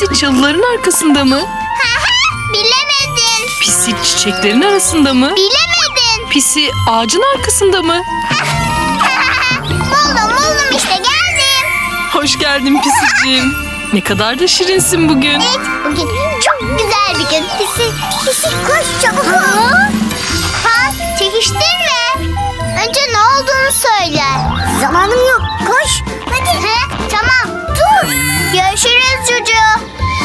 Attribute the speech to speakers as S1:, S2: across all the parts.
S1: Pisi çalıların arkasında mı?
S2: Bilemedin.
S1: Pisi çiçeklerin arasında mı?
S2: Bilemedin.
S1: Pisi ağacın arkasında mı?
S2: Buldum işte geldim.
S1: Hoş geldin Pisiciğim. Ne kadar da şirinsin bugün.
S2: Evet, bugün çok güzel bir gün. Pisi koş çabuk ol. Pan, çekiştirme. Önce ne olduğunu söyle. Zamanım yok, koş. Hadi. Tamam, dur. Görüşürüz Cucu.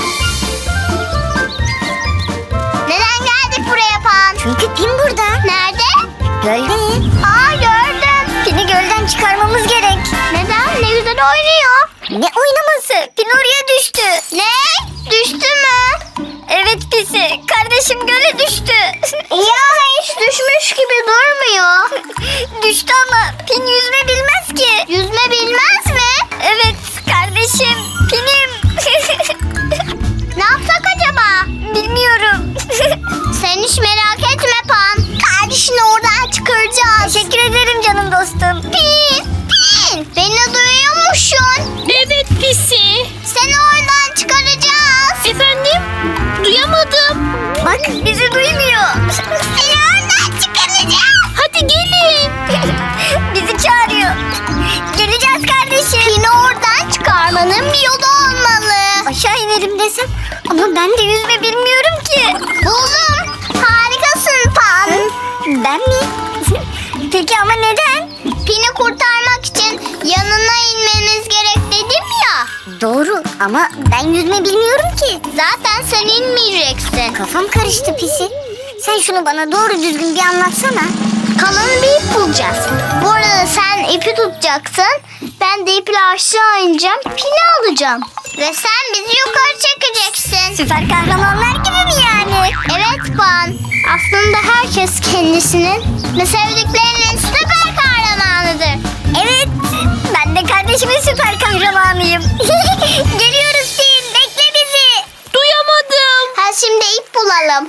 S2: Neden geldik buraya Pan? Çünkü Pin burada. Nerede? Gölde. Gördüm. Pin'i gölden çıkarmamız gerek. Neden? Ne güzel oynuyor. Ne oynaması? Pin oraya düştü. Ne? Düştü mü? Evet Pisi. Kardeşim göle düştü. Ya hiç düşmüş gibi durmuyor. Düştü ama Pin yüzme bilmez ki. Yüzme bilmez mi? Evet kardeşim. Pin'im. Ne yapsak acaba? Bilmiyorum. Sen hiç merak etme Pan. Kardeşini oradan çıkaracağız. Teşekkür ederim canım dostum. Pin. Beni duyuyor musun?
S3: Evet Pisi.
S2: Seni oradan çıkaracağız.
S3: Efendim? Duyamadım.
S2: Bak bizi duymuyor. Seni oradan çıkaracağız.
S3: Hadi gelin.
S2: Bizi çağırıyor. Geleceğiz kardeşim. Pin'i oradan çıkarmanın bir yolu olmalı. Aşağı inelim desem ama ben de yüzme bilmiyorum ki. Buldum. Harikasın Pan. Ben mi? Peki ama neden? Pin'i kurtarmak için yanına inmemiz gerek dedim ya. Doğru ama ben yüzme bilmiyorum ki. Zaten sen inmeyeceksin. Kafam karıştı Pisi. Sen şunu bana doğru düzgün bir anlatsana. Kalın bir ip bulacağız. Bu arada sen ipi tutacaksın. Ben de iple aşağı ineceğim. Pini alacağım. Ve sen bizi yukarı çekeceksin. Süper kahramanlar gibi mi yani? Evet Pan. Aslında herkes kendisinin ve sevdiklerinin süper kahramanıdır. Evet. Ben de kardeşimin süper kahramanıyım. Geliyoruz Pin. Bekle bizi.
S3: Duyamadım.
S2: Şimdi ip bulalım.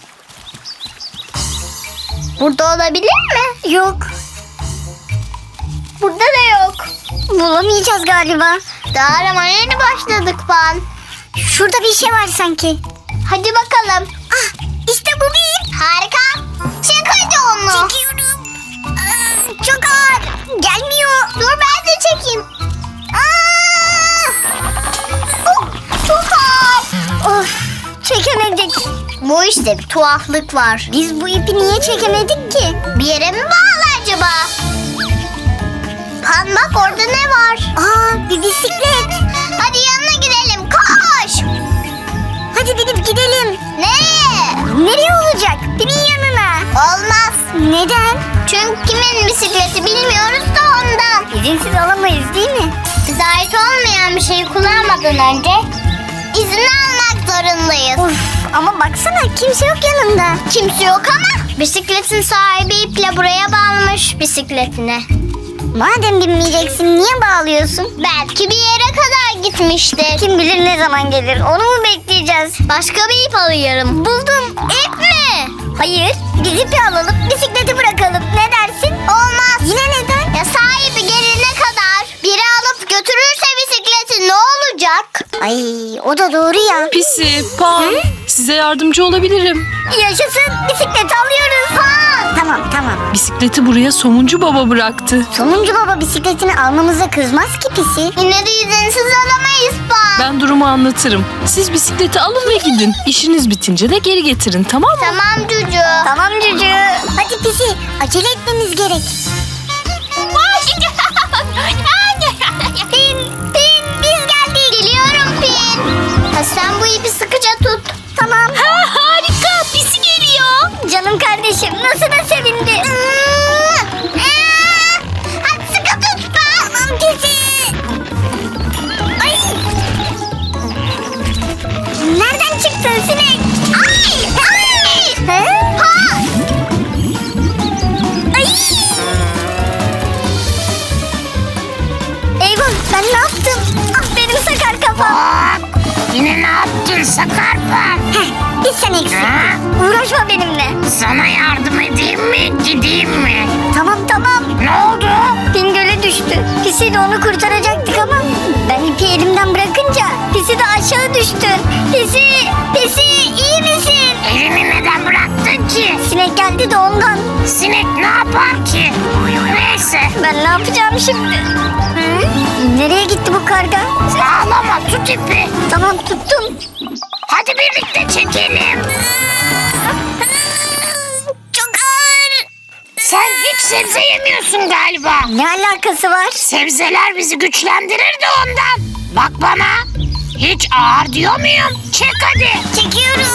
S2: Burada olabilir mi? Yok. Burada da yok. Bulamayacağız galiba. Daha aramaya yeni başladık Pan. Şurada bir şey var sanki. Hadi bakalım. İşte bu bir ip. Harika. Çek hadi onu. Çekiyorum. Çok ağır. Gelmiyor. Dur ben de çekeyim. Çok ağır. Of. Çekemedik. Bu işte bir tuhaflık var. Biz bu ipi niye çekemedik ki? Bir yere mi bağlı acaba? Pan bak orada ne var? Bir bisiklet. Hadi yanına gidelim koş. Hadi binip gidelim. Nereye? Nereye olacak? Pin'in yanına. Olmaz. Neden? Çünkü kimin bisikleti bilmiyoruz da ondan. İzinsiz alamayız değil mi? Bize ait olmayan bir şeyi kullanmadan önce izin almak zorundayız. Ama baksana kimse yok yanında. Kimse yok ama bisikletin sahibi iple buraya bağlamış bisikletine. Madem binmeyeceksin niye bağlıyorsun? Belki bir yere kadar gitmiştir. Kim bilir ne zaman gelir onu mu bekleyeceğiz? Başka bir ip alıyorum. Buldum. İp mi? Hayır. Biz ipi alalım bisikleti bırakalım. Ne dersin? Olmaz. Yine neden? Ya sahibi gelene kadar biri alıp götürürse bisikleti ne olacak? Ay o da doğru ya.
S1: Pisi, Pan, size yardımcı olabilirim.
S2: Yaşasın bisikleti alıyoruz. Tamam.
S1: Bisikleti buraya Somuncu Baba bıraktı.
S2: Somuncu baba bisikletini almamıza kızmaz ki Pisi. Yine de izinsiz alamayız Pan.
S1: Ben durumu anlatırım. Siz bisikleti alın ve gidin. İşiniz bitince de geri getirin, tamam mı?
S2: Tamam Cucu. Tamam Cucu. Hadi Pisi acele etmemiz gerek. Pin biz geldik. Geliyorum Pin. Sen bu ipi sıkıca tut. Tamam.
S3: Harika. Pisi geliyor.
S2: Canım kardeşim nasıl da sevindi. Hadi sıkı tut. Tamam Pisi. Ay. Nereden çıktın sinek? Ay. Ha. Ay. Eyvah ben ne yaptım? Benim sakar kafam.
S4: Yine ne yaptın Sakarpa?
S2: Bir sen eksiktin. Uğraşma benimle.
S4: Sana yardım edeyim mi, gideyim mi?
S2: Tamam.
S4: Ne oldu?
S2: Pin göle düştü. Pisi de onu kurtaracaktık ama ben ipi elimden bırakınca Pisi de aşağı düştü. de ondan.
S4: Sinek ne yapar ki? Neyse.
S2: Ben ne yapacağım şimdi? Hı? Nereye gitti bu karga?
S4: Ağlama, tut ipi.
S2: Tamam tuttum.
S4: Hadi birlikte çekelim.
S2: Çok ağır.
S4: Sen hiç sebze yemiyorsun galiba.
S2: Ne alakası var?
S4: Sebzeler bizi güçlendirir de ondan. Bak bana. Hiç ağır diyor muyum? Çek hadi.
S2: Çekiyorum.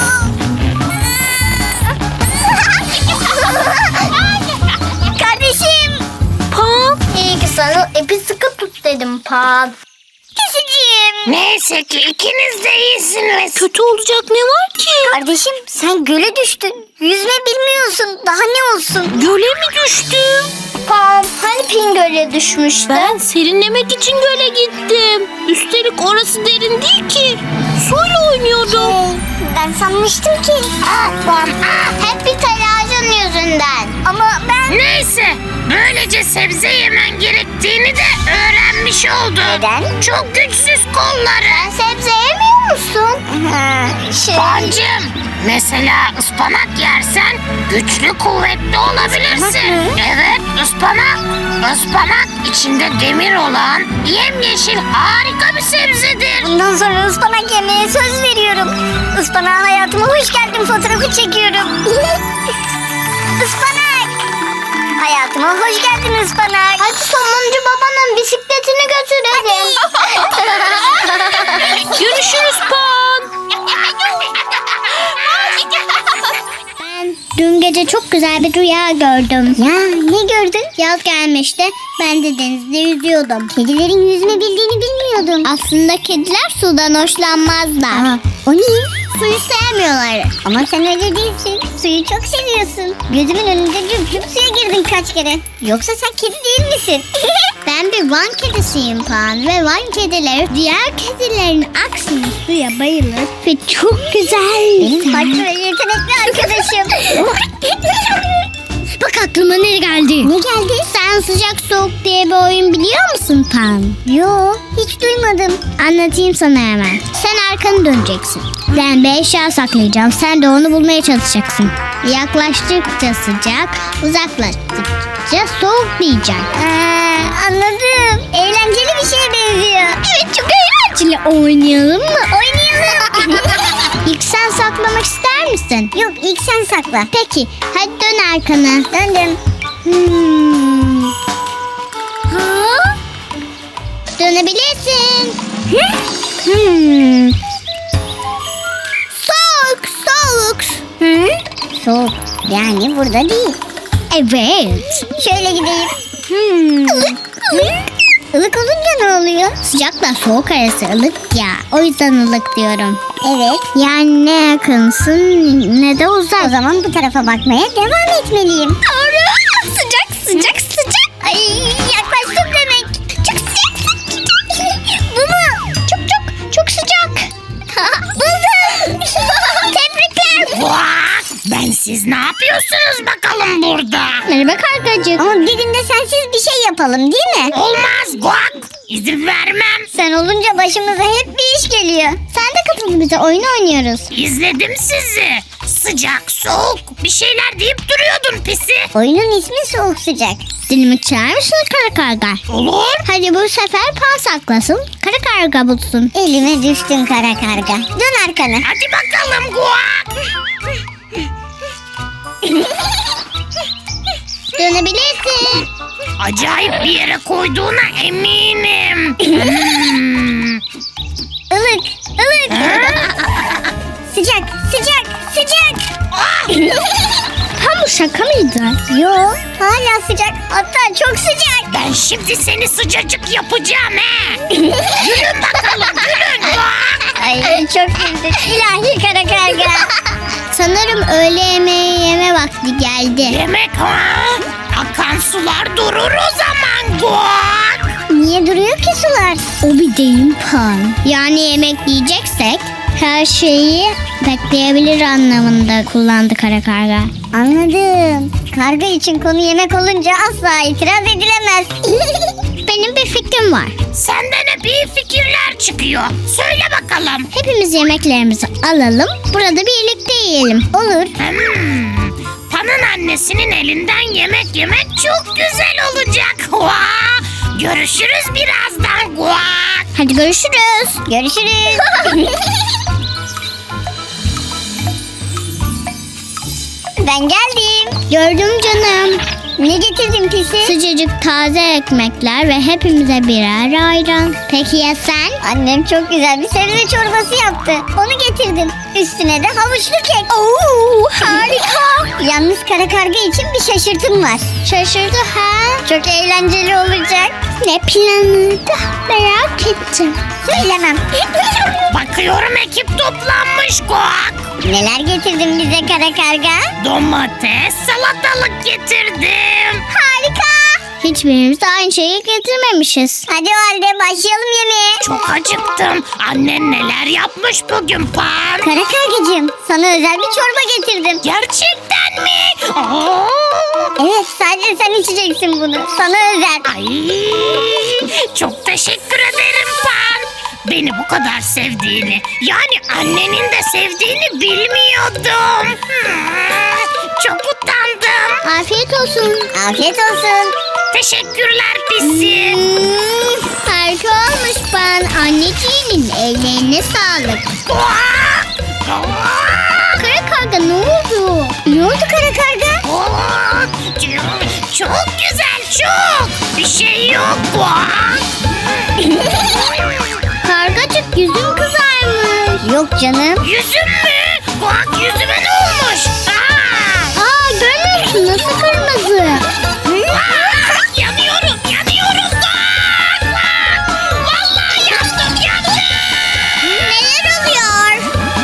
S2: Kardeşim.
S1: Pan,
S2: İyi ki sana ipi sıkı tut dedim Pan. Pisiciğim.
S4: Neyse ki ikiniz de iyisiniz.
S1: kötü olacak ne var ki?
S2: Kardeşim sen göle düştün. Yüzme bilmiyorsun. Daha ne olsun?
S1: Göle mi düştüm?
S2: Pan hani Pin göle düşmüştü?
S1: Ben serinlemek için göle gittim. Üstelik orası derin değil ki. Suyla oynuyordum.
S2: Ben sanmıştım ki.
S4: Ah Pan ah.
S2: Hep bir telaşın yüzünden. Ama ben...
S4: Neyse. Böylece sebze yemen gerektiğini de öğrenmiş oldun.
S2: Neden?
S4: Çok güçsüz kolları.
S2: Sebze yemiyor musun?
S4: Pancım, mesela ıspanak yersen güçlü kuvvetli olabilirsin.
S2: Ispanak mı?
S4: Evet, ıspanak. Ispanak içinde demir olan yemyeşil harika bir sebzedir.
S2: Bundan sonra ıspanak yemeye söz veriyorum. Ispanağa hayatıma hoş geldin fotoğrafı çekiyorum. Ispanak. Hayatıma hoş geldin ıspanak. Hadi sonuncu babanın bisikletini götürelim.
S1: Görüşürüz Pan.
S2: Ben dün gece çok güzel bir rüya gördüm. Ya ne gördün? Yaz gelmişti. Ben de denizde yüzüyordum. Kedilerin yüzme bildiğini bilmiyordum. Aslında kediler sudan hoşlanmazlar. O niye? Suyu sevmiyorlar. Ama sen öyle değilsin. Suyu çok seviyorsun. Gözümün önünde cüp cüp suya girdin kaç kere. Yoksa sen kedi değil misin? Ben bir Van kedisiyim Pan. Ve Van kedileri diğer kedilerin aksine suya bayılır. Ve çok güzel. Benim farklı ve yetenekli arkadaşım. Bak aklıma ne geldi? Ne geldi? Sen sıcak soğuk diye bir oyun biliyor musun Pan? Yo, hiç duymadım. Anlatayım sana hemen. Sen arkanı döneceksin. Ben bir eşya saklayacağım. Sen de onu bulmaya çalışacaksın. Yaklaştıkça sıcak, uzaklaştıkça soğuk diyeceksin. Anladım. Eğlenceli bir şeye benziyor. Evet, çok eğlenceli. Oynayalım mı? Oynayalım. İlk sen saklamak ister misin? Yok, ilk sen sakla. Peki, hadi dön arkana. Döndüm. Ha? Dönebilirsin. Soğuk, soğuk. Soğuk, yani burada değil. Evet. Şöyle gideyim. Ilık, ılık. Ilık olunca ne oluyor? Sıcakla soğuk arası ılık ya. O yüzden ılık diyorum. Evet. Yani ne yakınsın ne de uzak. O zaman bu tarafa bakmaya devam etmeliyim. Doğru. Sıcak, sıcak, sıcak. Ay, yaklaştım demek. Çok sıcak, sıcak. Bu mu? Çok çok çok sıcak. Buldum. Tebrikler.
S4: Vah! Ben siz ne yapıyorsunuz bakalım burada?
S2: Merhaba kargacık. Ama bir günde sensiz bir şey yapalım değil mi?
S4: Olmaz Guak. İzin vermem.
S2: Sen olunca başımıza hep bir iş geliyor. Sen de katıl bize, oyun oynuyoruz.
S4: İzledim sizi. Sıcak, soğuk bir şeyler deyip duruyordun pisi.
S2: Oyunun ismi soğuk sıcak. Dilimi çağır mısın kara karga?
S4: Olur.
S2: Hadi bu sefer Pan saklasın, kara karga bulsun. Elime düştün kara karga. Dön arkana.
S4: Hadi bakalım Guak.
S2: Dönebilirsin.
S4: Acayip bir yere koyduğuna eminim.
S2: Ilık, ılık. Sıcak, sıcak, sıcak.
S1: Tam bu şaka mıydı?
S2: Yo, hala sıcak. Hatta çok sıcak.
S4: Ben şimdi seni sıcacık yapacağım he. Gülün bakalım gülün Guak.
S2: Ay çok güldük. İlahi kara karga. Sanırım öğle yemeği yeme vakti geldi.
S4: Yemek ha? Akan sular durur o zaman Guak.
S2: Niye duruyor ki sular? O bir deyim Pan. Yani yemek yiyeceksek her şeyi bekleyebilir anlamında kullandı kara karga. Anladım. Karga için konu yemek olunca asla itiraz edilemez. Benim bir fikrim var.
S4: Senden hep iyi fikirler çıkıyor. Söyle bakalım.
S2: Hepimiz yemeklerimizi alalım, burada birlikte yiyelim. Olur.
S4: Pan'ın annesinin elinden yemek yemek çok güzel olacak. Vaa! Görüşürüz birazdan. Vaa!
S2: Hadi görüşürüz. Görüşürüz. Ben geldim. Gördüm canım. Ne getirdin Pisi? Sıcacık taze ekmekler ve hepimize birer ayran. Peki ya sen? Annem çok güzel bir sebze çorbası yaptı. Onu getirdim. Üstüne de havuçlu kek. Oo, harika. Yalnız kara karga için bir şaşırtım var. Şaşırdı ha? Çok eğlenceli olacak. Ne planı da merak ettim. Söylemem.
S4: Bakıyorum ekip toplanmış. Kuak!
S2: Neler getirdin bize kara karga?
S4: Domates, salatalık getirdim.
S2: Harika. Hiçbirimiz de aynı şeyi getirmemişiz. Hadi o halde başlayalım yemeğe.
S4: Çok acıktım. Annen neler yapmış bugün Pan?
S2: Kara kargacığım, sana özel bir çorba getirdim.
S4: Gerçekten mi? Aa!
S2: Evet, sadece sen içeceksin bunu. Sana özel.
S4: Ay, çok teşekkür ederim Pan. Beni bu kadar sevdiğini, yani annenin de sevdiğini bilmiyordum. Çok utandım.
S2: Afiyet olsun. Afiyet olsun.
S4: Teşekkürler Pisi.
S2: Harika olmuş ben. Anneciğinin ellerine sağlık.
S4: Kuak! Kuak!
S2: Kara karga ne oldu? Ne oldu kara karga?
S4: Kuak! Çok güzel, çok. Bir şey yok. Kuak!
S2: Kargacık yüzün kızarmış. Yok canım.
S4: Yüzüm mü? Kuak, yüzüme ne olmuş?
S2: Aa, görmüyor musun nasıl kırmızı?
S4: Yanıyorum, yanıyorum. Kuak! Kuak! Vallahi yandım, yandım.
S2: Neler oluyor?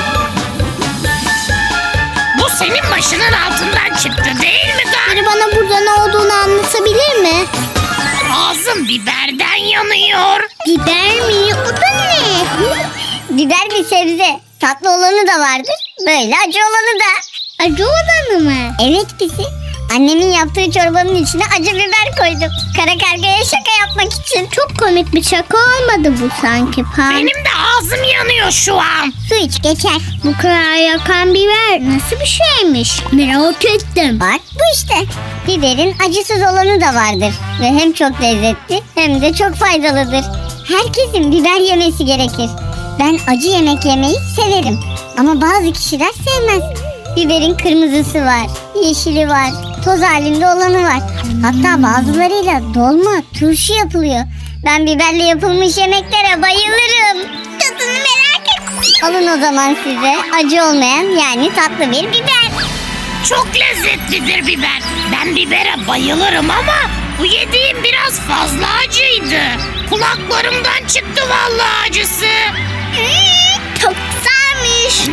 S4: Bu senin başının altından çıktı değil mi Kuak?
S2: Biri bana burada ne olduğunu anlatabilir mi?
S4: Ağzım biberden yanıyor.
S2: Biber mi? O da ne? Biber bir sebze. Tatlı olanı da vardır. Böyle acı olanı da. Acı olanı mı? Evet Pisi. Annemin yaptığı çorbanın içine acı biber koydum. Kara kargaya şaka yapmak için. Çok komik bir şaka olmadı bu sanki Pan.
S4: Benim de ağzım yanıyor şu an.
S2: Su iç geçer. Bu kadar yakan biber nasıl bir şeymiş? Merak ettim. Bak bu işte. Biberin acısız olanı da vardır. Ve hem çok lezzetli hem de çok faydalıdır. Herkesin biber yemesi gerekir. Ben acı yemek yemeyi severim. Ama bazı kişiler sevmez. Biberin kırmızısı var, yeşili var, toz halinde olanı var. Hatta bazılarıyla dolma, turşu yapılıyor. Ben biberle yapılmış yemeklere bayılırım. Tadını merak ettim. Alın o zaman size acı olmayan yani tatlı bir biber.
S4: Çok lezzetlidir biber. Ben bibere bayılırım ama bu yediğim biraz fazla acıydı. Kulaklarımdan çıktı vallahi acısı.
S2: Çok güzelmiş.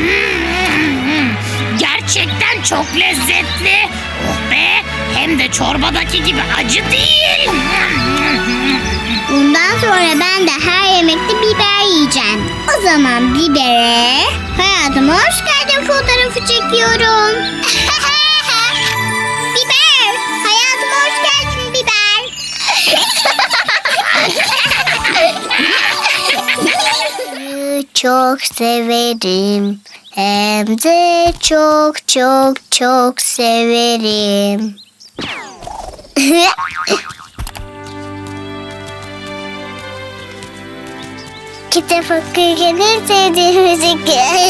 S4: Gerçekten çok lezzetli. Oh be, hem de çorbadaki gibi acı değil.
S2: Bundan sonra ben de her yemekte biber yiyeceğim. O zaman bibere hayatıma hoş geldin fotoğrafı çekiyorum. Biber, hayatıma hoş geldin biber. Çok severim. Hem de çok çok çok severim. Kitap okurken sevdiğim müzik.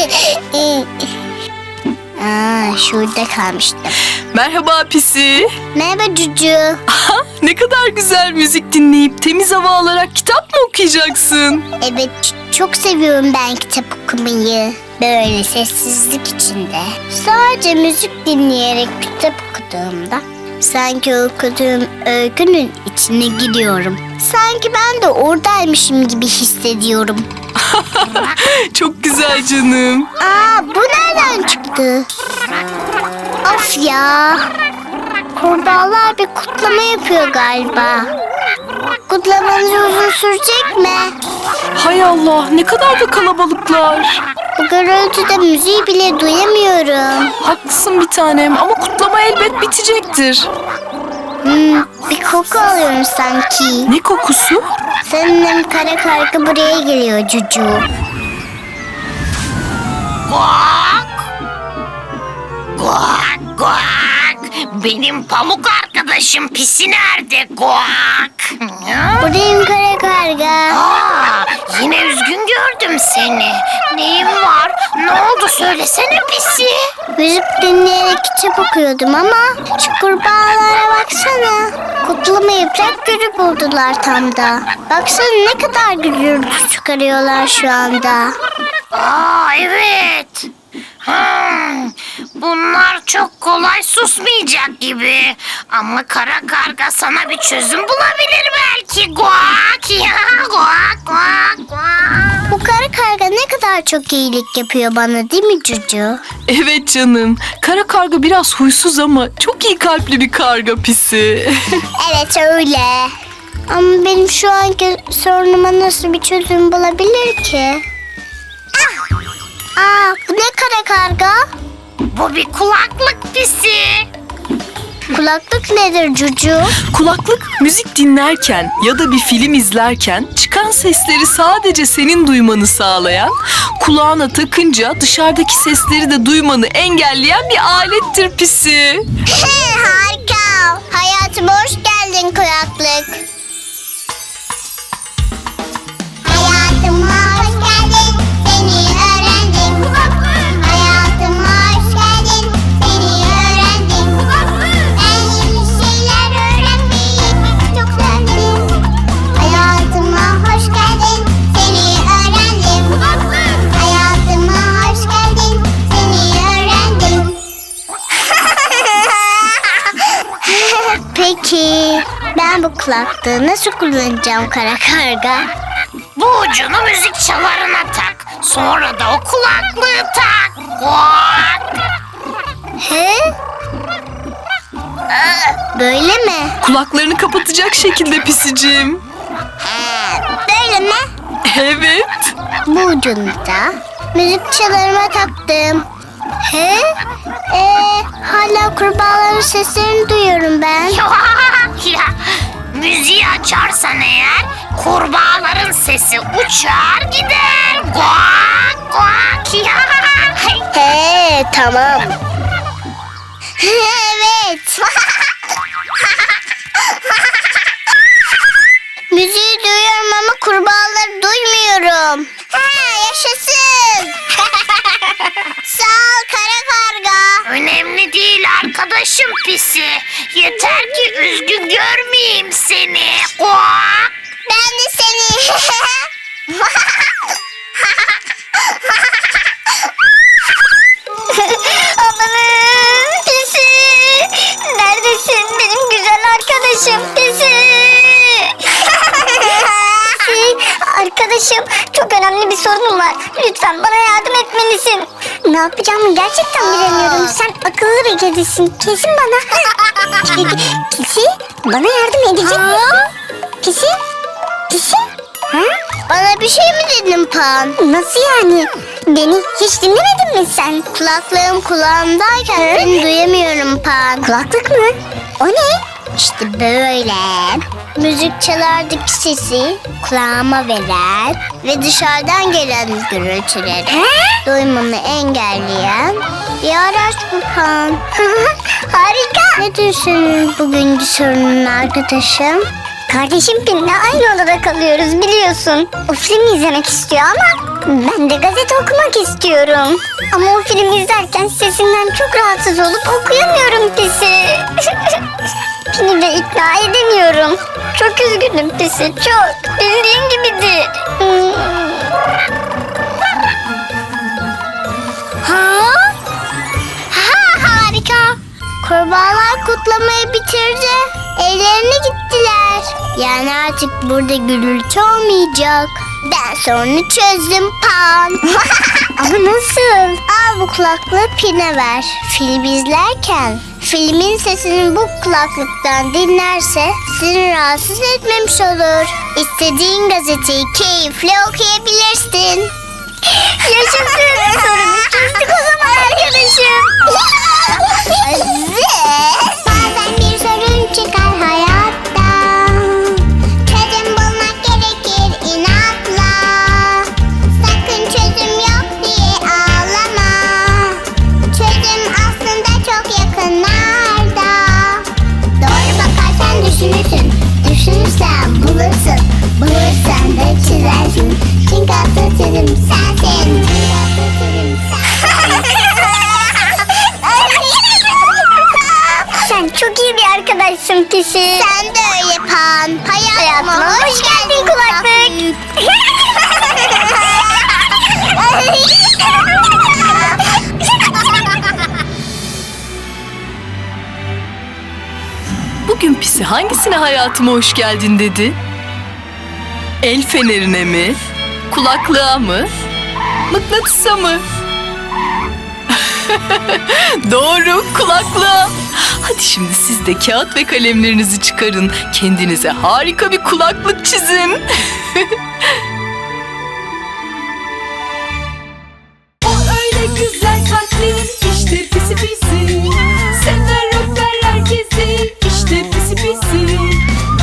S2: Şurada kalmıştım.
S5: Merhaba Pisi.
S2: Merhaba Cucu.
S5: Aha, ne kadar güzel müzik dinleyip temiz hava alarak kitap mı okuyacaksın?
S2: Evet, çok seviyorum ben kitap okumayı. Böyle sessizlik içinde. Sadece müzik dinleyerek kitap okuduğumda sanki okuduğum öykünün içine giriyorum. Sanki ben de oradaymışım gibi hissediyorum.
S5: Çok güzel canım.
S2: Aa, bu nereden çıktı? Of ya. Kurbağalar bir kutlama yapıyor galiba. Kutlamanız uzun sürecek mi?
S5: Hay Allah, ne kadar da kalabalıklar.
S2: Bu gürültüde müziği bile duyamıyorum.
S5: Haklısın bir tanem ama kutlama elbet bitecektir.
S2: Bir koku alıyorum sanki.
S5: Ne kokusu?
S2: Sanırım kara karga buraya geliyor Cucu.
S4: Guak! Guak! Guak! benim pamuk arkadaşım Pisi nerede? Guak.
S2: Buradayım kara karga.
S4: Aa, yine üzgün gördüm seni. Neyin var? Ne oldu söylesene Pisi.
S2: Müzik dinleyerek kitap okuyordum ama şu kurbağalara baksana. Kutlama yaprak gülü buldular tam da. Baksana ne kadar gürültü çıkarıyorlar şu anda.
S4: Aa, evet. Bunlar çok kolay susmayacak gibi. Ama kara karga sana bir çözüm bulabilir belki. Guak ya, guak guak guak.
S2: Bu kara karga ne kadar çok iyilik yapıyor bana değil mi Cucu?
S5: Evet canım. Kara karga biraz huysuz ama çok iyi kalpli bir karga Pisi.
S2: Evet öyle. Ama benim şu anki sorunuma nasıl bir çözüm bulabilir ki? Bu ne kara karga?
S4: Bu bir kulaklık Pisi.
S2: Kulaklık nedir Cucu?
S5: Kulaklık müzik dinlerken ya da bir film izlerken çıkan sesleri sadece senin duymanı sağlayan, kulağına takınca dışarıdaki sesleri de duymanı engelleyen bir alettir Pisi.
S2: Harika. Hayatıma hoş geldin kulaklık. Hayatıma hoş geldin, seni öğrendim. Hayatıma hoş geldin, seni öğrendim. Ben yeni şeyler öğrenmeyi çok sevdim. Hayatıma hoş geldin, seni öğrendim. Hayatıma hoş geldin, seni öğrendim. Peki ben bu kulaklığı nasıl kullanacağım kara karga?
S4: Bu ucunu müzik çalarına tak. Sonra da o kulaklığı tak. Guak.
S2: He? Böyle mi?
S5: Kulaklarını kapatacak şekilde Pisicim.
S2: Böyle mi?
S5: Evet.
S2: Bu ucunu da müzik çalarıma taktım. He? Hala kurbağaların seslerini duyuyorum ben.
S4: Ya, müziği açarsan eğer kurbağaların sesi uçar gider. Guak guak ya.
S2: He, tamam. Evet. Müziği duyuyorum ama kurbağaları duymuyorum. Yaşasın. Sağ ol kara karga.
S4: Önemli değil arkadaşım Pisi. Yeter ki üzgün görmeyeyim seni. Guak.
S2: Ben de seni. Amanın Pisi. Neredesin benim güzel arkadaşım Pisi? Arkadaşım çok önemli bir sorunum var. Lütfen bana yardım etmelisin. Ne yapacağımı gerçekten bilemiyorum. Sen akıllı bir kedisin. Kesin bana. Pisi bana yardım edecek misin? Pisi? Pisi? Ha? Bana bir şey mi dedin Pan? Nasıl yani? Beni hiç dinlemedin mi sen? Kulaklığım kulağımdayken seni duyamıyorum Pan. Kulaklık mı? O ne? İşte böyle. Müzik çalardaki sesi kulağıma veren ve dışarıdan gelen gürültüleri duymamı engelleyen bir araç bu Pan. Harika. Nedir senin bugünkü sorunun arkadaşım? Kardeşim Pin'le aynı odada kalıyoruz biliyorsun. O filmi izlemek istiyor ama ben de gazete okumak istiyorum. Ama o filmi izlerken sesinden çok rahatsız olup okuyamıyorum Pisi. Pin'i de ikna edemiyorum. Çok üzgünüm Pisi, çok. Bildiğin gibidir. Harika. Kurbağalar kutlamayı bitirdi. Evlerine gittiler. Yani artık burada gürültü olmayacak. Ben sorunu çözdüm Pan. Ama nasıl? Al bu kulaklığı Pin'e ver. Film izlerken filmin sesini bu kulaklıktan dinlerse seni rahatsız etmemiş olur. İstediğin gazeteyi keyifle okuyabilirsin. Yaşasın. Sorunu çözdük o zaman arkadaşım. Bazen bir sorun çıkar hayatta. Çözüm bulmak gerekir inatla. Sakın çözüm yok diye ağlama. Çözüm aslında çok yakınlarda. seven kişi. Sen de öyle Pan. Hayatıma hoş geldin kulaklık.
S5: Bugün Pisi hangisine hayatıma hoş geldin dedi? El fenerine mi? Kulaklığa mı? Mıknatısa mı? Doğru, kulaklığa. Hadi şimdi siz de kağıt ve kalemlerinizi çıkarın. Kendinize harika bir kulaklık çizin.